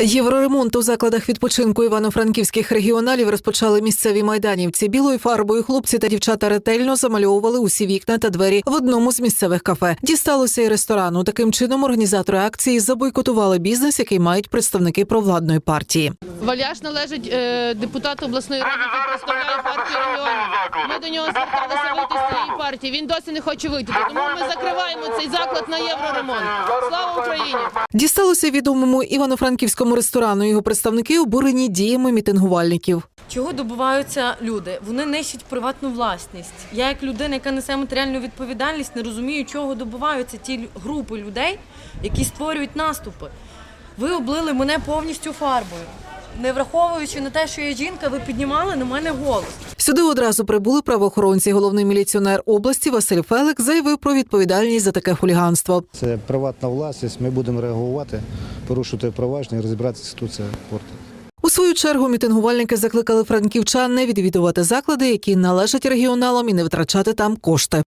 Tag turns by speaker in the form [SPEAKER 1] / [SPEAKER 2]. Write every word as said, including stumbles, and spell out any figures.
[SPEAKER 1] Євроремонт у закладах відпочинку івано-франківських регіоналів розпочали місцеві майданівці. Білою фарбою хлопці та дівчата ретельно замальовували усі вікна та двері в одному з місцевих кафе. Дісталося й ресторану. Таким чином організатори акції забойкотували бізнес, який мають представники провладної партії.
[SPEAKER 2] Валяш належить е, депутату обласної ради, який представляє партію регіонів. Ми до нього зверталися вийти з цієї партії. Він досі не хоче вийти. Тому ми закриваємо цей заклад на євроремонт. Слава Україні!
[SPEAKER 1] Дісталося відомому івано-франківському ресторану. Його представники обурені діями мітингувальників.
[SPEAKER 3] Чого добиваються люди? Вони нищать приватну власність. Я як людина, яка несе матеріальну відповідальність, не розумію, чого добиваються ті групи людей, які створюють наступи. Ви облили мене повністю фарбою. Не враховуючи на те, що я жінка, ви піднімали на мене голос.
[SPEAKER 1] Сюди одразу прибули правоохоронці. Головний міліціонер області Василь Фелик заявив про відповідальність за таке хуліганство.
[SPEAKER 4] Це приватна власність, ми будемо реагувати, порушувати провадження і розібратися, хто це портить.
[SPEAKER 1] У свою чергу мітингувальники закликали франківчан не відвідувати заклади, які належать регіоналам, і не витрачати там кошти.